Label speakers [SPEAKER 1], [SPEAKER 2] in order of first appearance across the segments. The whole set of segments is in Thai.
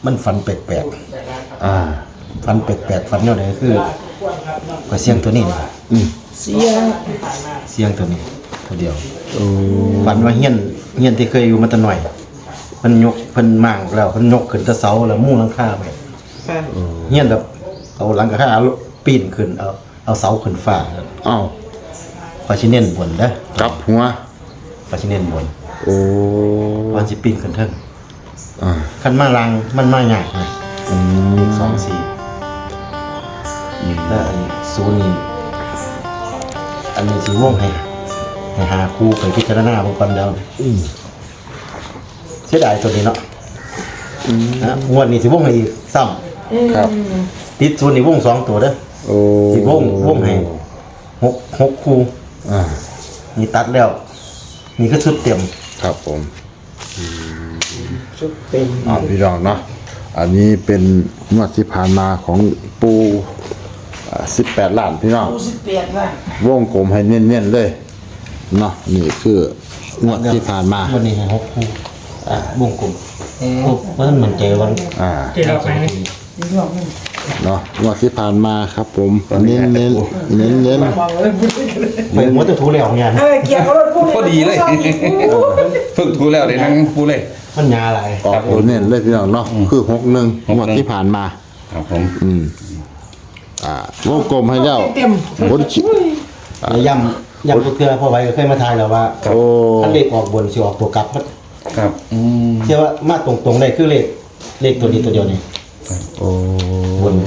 [SPEAKER 1] มันฝันแปลกๆฝันแปลกๆฝันแนวไหนคือก็เสียงตัวนี้เสียงตัวนี้ตัวเดียวฝันว่าเฮียนที่เคยอยู่มาแต่หน่อยมันยกเพิ่นมางแล้วเพิ่นยกขึ้นแตะเสาแล้วมุ่งหลังคาไปเฮียนแบบเอาหลังคาปีนขึ้นเอาเสาขึ้นฟ้า
[SPEAKER 2] อ้าว
[SPEAKER 1] ขอสิเน้นบนเด้อ
[SPEAKER 2] กับหัว
[SPEAKER 1] ขอสิเน้นบนวันสิปีนขึ้นเทิง คันมาลังมันมาใหญ่นะ2-4แล้วอันนี้0นี่อันนี้สิวงให้หาคู่ไปพิจารณาบางคนแล้วเสียดายตัวนี้เนาะนะงวดนี้สิวงให้อีกซ้ำครับติด0นี่วง2ตัวเด้อสิวงให้6คู่นี่ตัดแล้วนี่ก็ชุดเต็ม
[SPEAKER 2] ครับผม
[SPEAKER 3] ชุดเต็ม
[SPEAKER 2] พี่น้องเนาะอันนี้เป็นงวดที่ผ่านมาของปู18 ล้านพี่น้อง
[SPEAKER 3] 18ล้าน
[SPEAKER 2] วงกลมให้เน้นๆเลยเนาะนี่คืองวดที่ผ่านมา
[SPEAKER 1] วันนี้ให้6คู่วงกลมมันเหมือนใจวัน
[SPEAKER 3] ที่เราไป
[SPEAKER 2] เนาะงวดที่ผ่านมาครับผมเน้น
[SPEAKER 1] ไปหัวจะถูแล้วเนี่ย
[SPEAKER 3] เกี่ยวกับรถปู
[SPEAKER 4] พอดีเลยฝึกถูแล้วได้นั่งปูเลย
[SPEAKER 1] มันยาอะไร
[SPEAKER 2] ออกตัวเน้นเลยพี่น้องเนาะคือ61งวดที่ผ่านมา
[SPEAKER 4] ครับผม
[SPEAKER 2] วงกลมให้แล้วบนชิ
[SPEAKER 1] ย่ำตัวเกลือพอไว้ก็เคยมาทายแล้วว่าถ้าเลขออกบนสิออกตัวกลับ
[SPEAKER 4] ครับ
[SPEAKER 1] เชื่อว่ามาตรงๆได้คือเลขตัวนี้ตัวเดียวนี่บน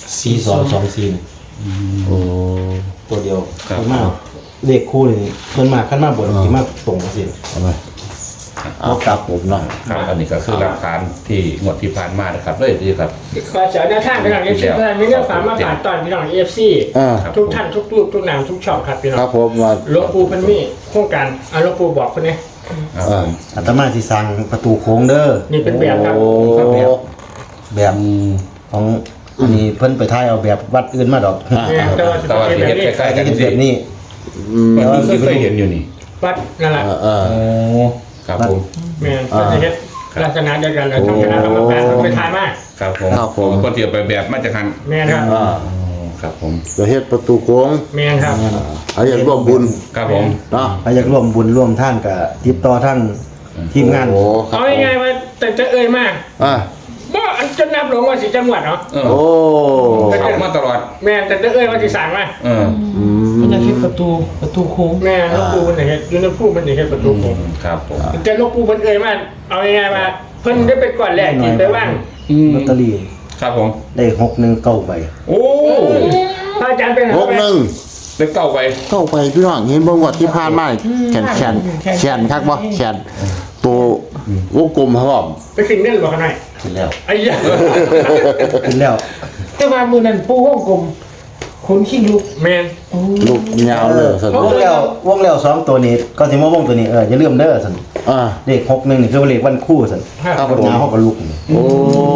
[SPEAKER 1] 4224ตัวเดียวขึ้นมาเลขคู่นี่ขึ้นมาขั้นมาบนที่มาตรงสิ
[SPEAKER 2] เอากลับผมเนาะ
[SPEAKER 4] ครับอันนี้ก็คือหลักฐานที่งวดที่ผ่านมานะครับเลยดีครับ
[SPEAKER 3] ขอเสนอท่านพี่น้อง FC ท่านมีเรื่องฝากมาผ่านตอนพี่น้อง FC ทุกท่านทุกรูปทุกนามทุกช่องครับพี่น้อง
[SPEAKER 2] ครับผมว่า
[SPEAKER 3] หลวงปู่เพิ่นมีโครงการหลวงปู่บอกเพิ่นนี่
[SPEAKER 1] อาตมาสิสร้างประตูโค้งเด้อ
[SPEAKER 3] นี่เป็นแบบครับ
[SPEAKER 1] แบบของอันนี้เพิ่นไปถ่ายเอาแบบวัดอื่นมาดอก
[SPEAKER 4] แต่ว่าที่เฮ็ดคล้ายๆกัน
[SPEAKER 1] แบบนี้
[SPEAKER 4] แต่ว่าเคยเห็นอยู่นี่
[SPEAKER 3] วัดนั่นแหละ
[SPEAKER 4] ครับผม
[SPEAKER 3] แม่นจะเฮ็ดลักษณะเดียวกันแล้วทางคณะกรรมการไปถ่ายมา
[SPEAKER 4] ครับผมคนที่ไปแบบมาจากหัน
[SPEAKER 3] แม่นครับ
[SPEAKER 4] ครับผม
[SPEAKER 2] จะเฮ็ดประตูโค้ง
[SPEAKER 3] แม่นครับ
[SPEAKER 2] อยากร่วมบุญ
[SPEAKER 4] ครับผม
[SPEAKER 1] เนาะอยากร่วมบุญร่วมท่านกับติดต่อทั้งทีมงาน
[SPEAKER 3] เอาง่ายๆว่าแต่จะเอ่ยมากบ่อันจะนับลงว่าสิจังหวัดเนาะ
[SPEAKER 4] เข้ามาตลอด
[SPEAKER 3] แม่แต่จะเอ่ยว่าสิสั่งมา
[SPEAKER 1] มันจะคิดประตูโค้ง
[SPEAKER 3] แม่หลวงปู่มันเฮ็ดอยู่ในผู้มันเฮ็ดประตูโค้ง
[SPEAKER 4] ครับผม
[SPEAKER 3] แต่หลวงปู่เพิ่นเอ่ยมาเอาง่ายๆว่าเพิ่นได้ไปก่อนแรกกินไปว่าง
[SPEAKER 1] ลอตเตอรี่
[SPEAKER 4] ครับผม
[SPEAKER 1] ได้619ใบ
[SPEAKER 4] โอ้
[SPEAKER 3] พระอาจารย์เป็น
[SPEAKER 2] 61
[SPEAKER 4] ได้เก้าใบ
[SPEAKER 2] พี่น้องเห็นบ่งวดที่ผ่านมาแขนคักบ่แขนตัววงกลมครับ
[SPEAKER 3] ไปขึ้นเงินบ่กันหน่อย
[SPEAKER 1] ขึ้นแล้ว
[SPEAKER 3] ไอ้ยะ
[SPEAKER 1] ขึ้นแล้ว
[SPEAKER 3] แต่ว่ามื้อนั้นปู่วงกลมคนขี้ลุกแม่น
[SPEAKER 2] ลูกยาวเลยว
[SPEAKER 1] งแล้ว2ตัวนี้ก็สิมาวงตัวนี้อย่าลืมเด้อซั่นเลข61นี่คือเลขวันคู่ซั่นครับผมยาวเฮาก็ลุก
[SPEAKER 2] โอ้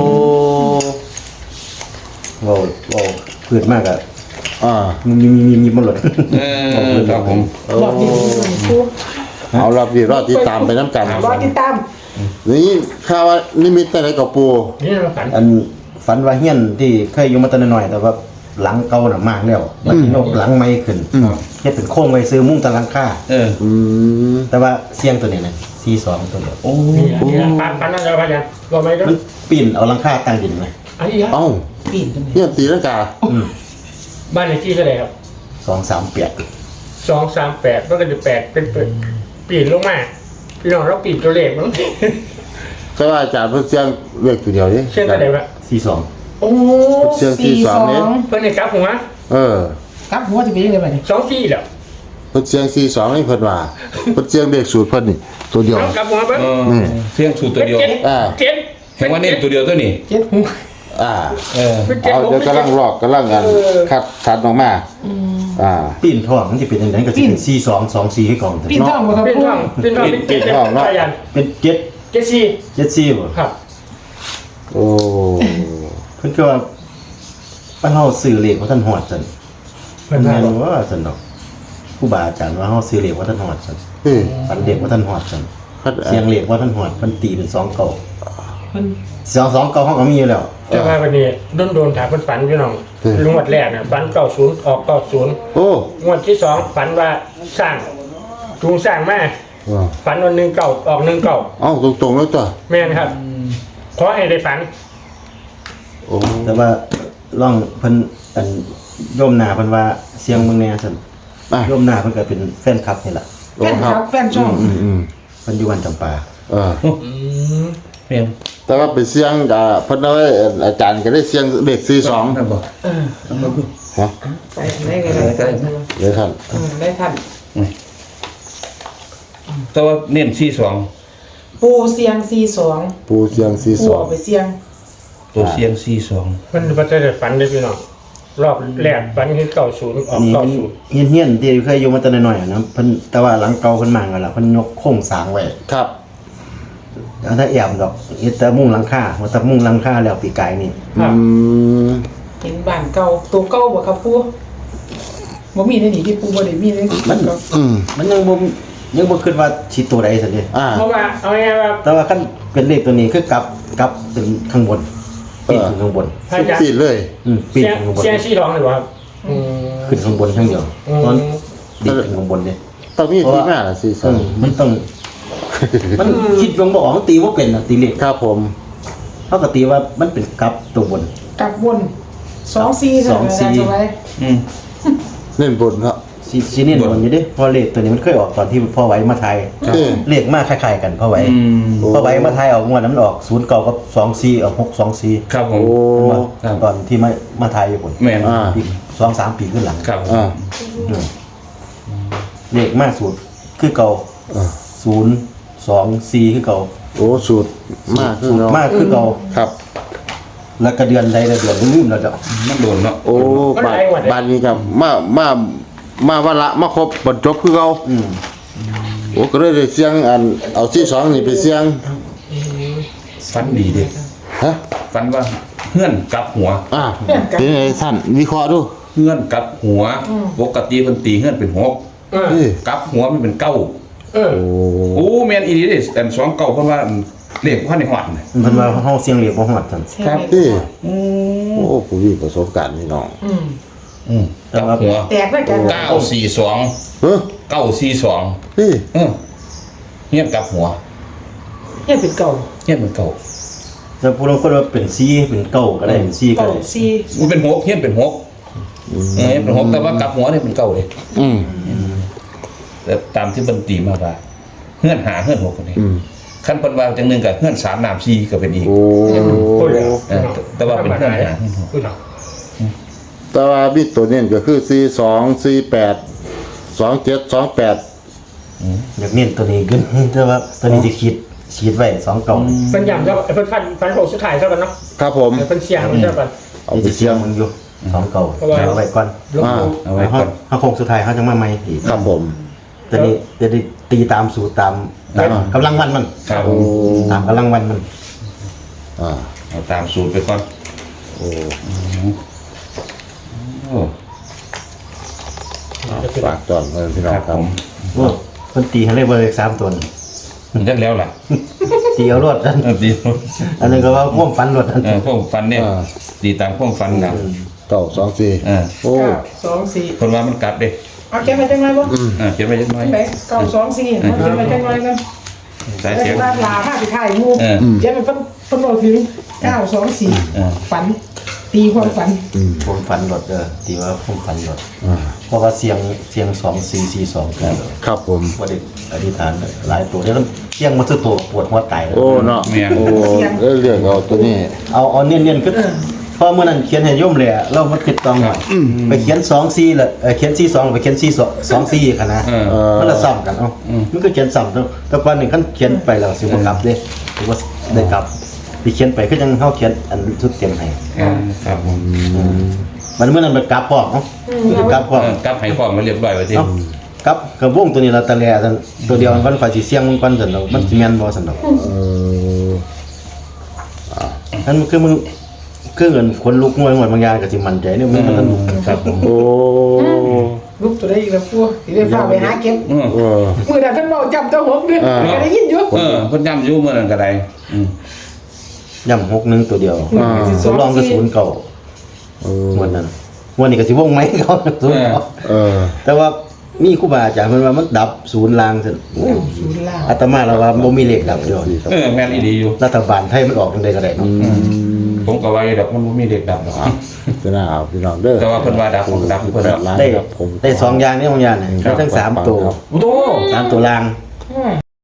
[SPEAKER 1] ว้าวพืชมากอ่ะมีมันหลด
[SPEAKER 4] ครับผม
[SPEAKER 3] รอบนี้ปู่
[SPEAKER 2] เอารอบนี้รอติดตามไปน้ำกัน
[SPEAKER 3] รอติดตาม
[SPEAKER 2] นี่ข่าวว่านิมิตอะไรกับปู่
[SPEAKER 3] นี่
[SPEAKER 1] ฝันว่าเฮียนที่เคยอยู่มาตั้งน้อยแต่ว่าหลังเก่าน่ะมากแล้วมันยกหลังใหม่ขึ้นเฮ็ดเป็นโค้งไว้ซื้อมุ้งตะหลังคาแต่ว่าเสียงตัวนี้นะ42ตัวเดียว
[SPEAKER 3] โอ้ปันนั่นแล้วพะเนี่ยบ่ไหมก็
[SPEAKER 1] มันปีนเอาหลังคาตั้งดินไว้
[SPEAKER 2] เอ้า
[SPEAKER 3] ปีน
[SPEAKER 2] เนี่ยตีลังกา
[SPEAKER 3] บ้านเลขที่เท่าไหร่ครับ
[SPEAKER 1] 238
[SPEAKER 3] มันก็จะ8เป็นปีนลงมาพี่น้องเราปีนตัวเลขมั้ง
[SPEAKER 2] ก็อาจารย์เพิ่นเสียงเลขตัวเดียวนี่
[SPEAKER 3] เสียงตัวใดวะ
[SPEAKER 1] 42
[SPEAKER 3] โอ้
[SPEAKER 2] เสียง42นี่
[SPEAKER 3] เพิ่นให้กลับหัว
[SPEAKER 5] กลับหัวจะเป็นยังไงบัดนี้
[SPEAKER 3] 24แล้ว
[SPEAKER 2] เพิ่นเสียง42นี่เพิ่นว่าเพิ่นเสียงเลขสูตรเพิ่นนี่ตัวเดียว
[SPEAKER 3] กลับหัวเพิ่น
[SPEAKER 4] เสียงสูตรตัวเดียว
[SPEAKER 3] 7
[SPEAKER 4] เห็นว่านี่ตัวเดียวตัวนี้
[SPEAKER 5] 7หัว
[SPEAKER 2] เอาเดี๋ยวกำลังกันคัดออกมา
[SPEAKER 1] ปีนท้องมันจะเป็นยังไงก็จะเป็น4224ให้ก่อน
[SPEAKER 5] ปีนท้องบ่ครับ
[SPEAKER 3] ปีนท้องเนาะ
[SPEAKER 1] เป็น74บ่
[SPEAKER 3] ครับ
[SPEAKER 2] โอ้
[SPEAKER 1] เพิ่นก็ว่าบ้านเฮาซื้อเลขว่าท่านฮอดซั่นเพิ่นว่าซั่นเนาะครูบาอาจารย์ว่าเฮาซื้อเลขว่าท่านฮอดซั่นฝันเด็กว่าท่านฮอดซั่นเสียงเลขว่าท่านฮอดเพิ่นตีเป็น2เก่า
[SPEAKER 5] เพิ่น
[SPEAKER 1] 2เก่าเขาก็มีอยู่แล้ว
[SPEAKER 3] แต่ว่าวันนี้โดนถามเพิ่นฝันพี่น้องงวดแรกน่ะฝัน90ออก90
[SPEAKER 2] โอ้
[SPEAKER 3] งวดที่2ฝันว่าสร้างจูงสร้างมาฝันวัน19ออก19
[SPEAKER 2] เอ้าตรงๆแล้วจ้ะ
[SPEAKER 3] แม่นครับขอให้ได้ฝัน
[SPEAKER 2] โอ้
[SPEAKER 1] แต่ว่าล่องเพิ่นอันโยมหน้าเพิ่นว่าเสียงเมืองแน่ซั่น
[SPEAKER 2] อ่ะ
[SPEAKER 1] โยมหน้าเพิ่นก็เป็นแฟนคลับนี่ล่ะ
[SPEAKER 5] แฟนครับแฟนช่อง
[SPEAKER 1] เพิ่นอยู่วันจำปา
[SPEAKER 4] เพียง
[SPEAKER 2] แต่ว่าไปเสียงเพิ่นเอาไว้อาจารย์ก็ได้เสียงเลข42
[SPEAKER 4] นั่นบ่
[SPEAKER 2] ฮะ
[SPEAKER 5] ไปได้กันเลย
[SPEAKER 2] เลยท่าน
[SPEAKER 5] ได้ท่าน
[SPEAKER 4] แต่ว่าเน้น
[SPEAKER 5] ปูเสียง42
[SPEAKER 2] ปูเสียง
[SPEAKER 5] ปูเอาไปเสียง
[SPEAKER 4] 42ตัวเสียง42
[SPEAKER 3] มันบ่ได้ฝันเลยพี่น้องรอบแรกฝันเห็น90ออก
[SPEAKER 1] นี่มัน
[SPEAKER 3] 90
[SPEAKER 1] เฮียนๆที่เคยอยู่มาแต่น้อยๆอะนะเพิ่นแต่ว่าหลังเก่าเพิ่นมากันล่ะเพิ่นยกโครงสร้างไว้
[SPEAKER 2] 42ครับ
[SPEAKER 1] แล้วถ้าแอบดอกเฮ็ดแต่มุงหลังคาว่าแต่มุงหลังคาแล้วปีกายนี่
[SPEAKER 3] ครับ
[SPEAKER 5] เห็นบ้านเก่าตัวเก่าบ่ครับปูบ่มีในนี่ที่ปูบ่ได้มีในนี่
[SPEAKER 1] มัน
[SPEAKER 5] เก่า
[SPEAKER 1] มันยังบ่คิดว่าสิตัวใดซั่นเด้
[SPEAKER 3] เพราะว่าเอาง่ายๆว่า
[SPEAKER 1] แต่ว่าคันเป็นเลขตัวนี้คือกลับเป็นข้างบนปีนขึ้นข้างบน
[SPEAKER 3] พระอาจารย์
[SPEAKER 2] ปิดเลย
[SPEAKER 1] ปีน
[SPEAKER 3] เสียง
[SPEAKER 1] ขึ้นข้างบน
[SPEAKER 3] เสียงชี้ร้องเลยบ่ครับ
[SPEAKER 1] ขึ้นข้างบนข้างเดียวตอนดีดขึ้นข้างบนเด้
[SPEAKER 2] ต้องมีที่มาล่ะ
[SPEAKER 1] มันต้อง มันคิดลงบ่ออกมันตีบ่เป็นน่ะตีเลข
[SPEAKER 2] 42ครับผม
[SPEAKER 1] เฮาก็ตีว่ามันเป็นกลับตัวบน
[SPEAKER 5] กลับบน24เท่านั้น
[SPEAKER 1] 24
[SPEAKER 5] จะไว้
[SPEAKER 2] เล่นบนครับ
[SPEAKER 1] สิเน้นบนอยู่เด้เพอเลขตัวนี้มันเคยออกตอนที่พ่อไว้มาไทย
[SPEAKER 2] เออ
[SPEAKER 1] เลขมาคล้ายๆกันพ่อไว้พ่อไว้มาไทยออกงวดนั้นมันออก0 9กับ24ออก6 24
[SPEAKER 4] ครับผม
[SPEAKER 2] โอ้
[SPEAKER 4] ครับ
[SPEAKER 1] ตอนที่มาไทยอยู่พุ่น
[SPEAKER 4] แม่น
[SPEAKER 1] อีก 2-3 ปีขึ้นหลัง
[SPEAKER 4] ครับ
[SPEAKER 1] เลขมาสูตรคือเก่า0 2 4คือเก่า
[SPEAKER 2] โอ้สูตรมากขึ้นเนาะ
[SPEAKER 1] มากคือเก่า
[SPEAKER 2] ครับ
[SPEAKER 1] แล้วก็เดือนใดละเดือนลืมแล้วเจ้ะ
[SPEAKER 4] มันโดนเนาะ
[SPEAKER 2] โอ้บ้านนี้ครับมาวันละมาครบบรรจบคือเขาโอ้ก็เลยได้เสียงอันเอา42นี่ไปเสียง
[SPEAKER 4] ฟันดีเด้
[SPEAKER 2] ฮะ
[SPEAKER 4] ฟันว่าเฮือนกลับหัว
[SPEAKER 2] เป็นไงท่านวิเคราะห์ดู
[SPEAKER 4] เฮือนกลับหัวปกติเพิ่นตีเฮือนเป็น6
[SPEAKER 2] นี่
[SPEAKER 4] กลับหัวมันเป็น9
[SPEAKER 3] เออ
[SPEAKER 2] โอ้
[SPEAKER 4] โอ้แม่นอีหลีเด้อัน2 9เพิ่นว่าเลขบ่ทันได้ฮอดน่ะ
[SPEAKER 1] เพิ่นว่าเฮาเสียงเลขบ่ฮอดซั่น
[SPEAKER 4] ครับ
[SPEAKER 2] นี่โอ้ผู้มีประสบการณ์นี่น้อง
[SPEAKER 4] กลับหัว
[SPEAKER 5] แตกด้วยกัน
[SPEAKER 4] 942
[SPEAKER 2] เออ
[SPEAKER 4] 942
[SPEAKER 2] นี่
[SPEAKER 4] เฮียนกลับหัว
[SPEAKER 5] เฮ็ดเป็นเก่า
[SPEAKER 4] เฮียนเป็นเก่า
[SPEAKER 1] แต่ผู้ลางคนว่าเป็น4เป็น9ก็ได้เป็น4ก็
[SPEAKER 5] เก่า
[SPEAKER 1] ได้
[SPEAKER 5] 4
[SPEAKER 4] มันเป็น6เฮียนเป็น6เฮียนเป็น6แต่ว่ากลับหัวเนี่ยเป็นเก่าเลย
[SPEAKER 2] อืม
[SPEAKER 4] แต่ตามที่เพิ่นตีมาว่าเฮือนหาเฮือน6คนนี้
[SPEAKER 2] อืม
[SPEAKER 4] คันเพิ่นว่าจังหนึงก็เฮือน3น้ำ4ก็เป็นอีก
[SPEAKER 2] โอ้
[SPEAKER 3] พูดแล้ว
[SPEAKER 4] แต่ว่าเป็นเฮือนหา
[SPEAKER 3] พูดแล้ว
[SPEAKER 2] แต่ว่ามีตัวเน้นก็คือ42 48 27 28
[SPEAKER 1] อยากเน้นตัวนี้ขึ้นแต่ว่าตัวนี้สิขีดไว้2เก่า
[SPEAKER 3] เพิ่นย้ำแล้วเพิ่นฟันโหสุดท้ายเท่ากันเนาะ
[SPEAKER 2] ครับผม
[SPEAKER 3] เพิ่นเสียงเท่ากัน
[SPEAKER 2] เอา
[SPEAKER 1] นี่
[SPEAKER 2] ไป
[SPEAKER 1] สิ
[SPEAKER 2] เสี
[SPEAKER 1] เสี
[SPEAKER 2] ย
[SPEAKER 1] ย
[SPEAKER 2] ง
[SPEAKER 1] งมึงอยู่2เก่า
[SPEAKER 3] เพราะว่า
[SPEAKER 1] เอาไว้ก่อน
[SPEAKER 3] ลงดู
[SPEAKER 4] เอาไว้ก่อน
[SPEAKER 1] เฮาคงสุดท้ายเฮาจังมาใหม่อีก
[SPEAKER 2] ครับผม
[SPEAKER 1] ตัวนี้จะได้ตีตามสูตรตามกำลังวันมัน
[SPEAKER 4] ครับ
[SPEAKER 2] โอ้
[SPEAKER 1] ตามกำลังวันมัน
[SPEAKER 2] อ่า
[SPEAKER 4] เอาตามสูตรไปก่อน
[SPEAKER 2] โอ้
[SPEAKER 4] โอ้
[SPEAKER 2] ฝากจอนเงินพี่น้อง
[SPEAKER 4] ครับ
[SPEAKER 2] ครั
[SPEAKER 4] ผ
[SPEAKER 2] บ
[SPEAKER 4] ม
[SPEAKER 1] โอ้เพิ่นตีให้เลยเบอร์เลข3ตัวนี่
[SPEAKER 4] มันจักแล้วล่ะ
[SPEAKER 1] ตีเอารวดนั่น
[SPEAKER 4] ดี
[SPEAKER 1] อันนึงก็ว่าพ่วงฟันรวดนั่น
[SPEAKER 4] พวกฟันเนี่ยตีตามพวกฟันนะ
[SPEAKER 2] 924โอ้
[SPEAKER 5] 2
[SPEAKER 4] เพิ่นว่ามันกลับเด้
[SPEAKER 5] 4เอาเขียนไปจังไงบ่
[SPEAKER 4] เขียนไว้จักหน่อย
[SPEAKER 5] ไหน9 2 4เอาเขียนไปจังไงกัน
[SPEAKER 4] สาย
[SPEAKER 5] แต่
[SPEAKER 4] เสียง
[SPEAKER 5] ว่าลาผ้าสิถ่ายงูเขียนไปเพิ่นบอกถึง9 2 4ฝันตีความฝัน
[SPEAKER 1] ผมฟันรวดตีว่าผมฟันรวดเพราะว่าเสียง2 4 4 2กัน
[SPEAKER 2] ครับผม
[SPEAKER 1] บ่ได้อธิษฐานหลายตัวเดี๋ยวเสียงมันคือตัวปวดหัวตายเลย
[SPEAKER 2] โอ้เนาะโอ้เรื่องเอาตัวนี้
[SPEAKER 1] เอาเนียนๆคือพอเมื่อนั้นเขียนให้โยมเลยเรามันติดต้องหน่อยไปเขียน2 4แล้วเขียน4 2ไปเขียน4 2 4ค่ะนะมันละซ้ำกันมันก็เขียนซ้ำแต่ก่อนนี่คันเขียนไปแล้วสิบ่กลับเด้สิบ่ได้กลับที่เขียนไปคือจังเฮาเขียนอันชุดเต็มให้
[SPEAKER 4] ครับผม
[SPEAKER 1] มันเมื่อนั้นไปกลับพร้อมกลับพร้อม
[SPEAKER 4] กลับให้ความมาเรียบร้อยไว้ที่
[SPEAKER 1] กลับกับวงตัวนี้เราตะแลซั่นตัวเดียวมันฝ่ายสิเสียงมันก่อนซั่นดอกมันสิแม่นบ่ซั่นดอกนั่นคือมึงคือเงินคนลุกงวยหมดบางอย่างก็สิมั่นใจเนี่ยมันลุก
[SPEAKER 4] ครับผม
[SPEAKER 2] โอ้
[SPEAKER 5] ลูกตัวได้อีกแล้วพวกสิได้ฝากไปหาเก็บ
[SPEAKER 2] เออ
[SPEAKER 5] มื้อนั้นเพิ่นบอกจำตัว6เดือนก็ได้ยินอยู่
[SPEAKER 4] เพิ่นย้ำอยู่เมื่อนั้นก็ได้
[SPEAKER 1] ย่ำ61ตัวเดียว
[SPEAKER 5] สอง
[SPEAKER 1] ลองก็
[SPEAKER 5] สี่
[SPEAKER 1] 0เก่า
[SPEAKER 2] เออ
[SPEAKER 1] วันนั้นวันนี้ก็สิวงไหมเขา0เก่า
[SPEAKER 2] เออ
[SPEAKER 1] แต่ว่ามีครูบาอาจารย์เพิ่นว่ามันดับ0ลางซั่น
[SPEAKER 5] ศูนย์ล่าง
[SPEAKER 1] อาตมาเราว่าบ่มีเลขดับเดียว
[SPEAKER 4] แม่นอีดีอยู่
[SPEAKER 1] รัฐบาลไทยมันออกจังได๋ก็ได้เนาะ
[SPEAKER 4] ผมก็ว่าอยู่ดอกมันบ่มีเด็กดับหรอก
[SPEAKER 2] จะน่าเอาพี่น้องเด้อ
[SPEAKER 4] แต่ว่าเพิ่นว่าดับผมดับเพิ่นว่า
[SPEAKER 2] ล้าน
[SPEAKER 1] ได้
[SPEAKER 2] ครับผม
[SPEAKER 1] ได้2อย่างนี้ของอย่างน่ะได้ทั้ง3ตัว
[SPEAKER 4] โอ้โห
[SPEAKER 1] 3ตัวลาง
[SPEAKER 5] อืม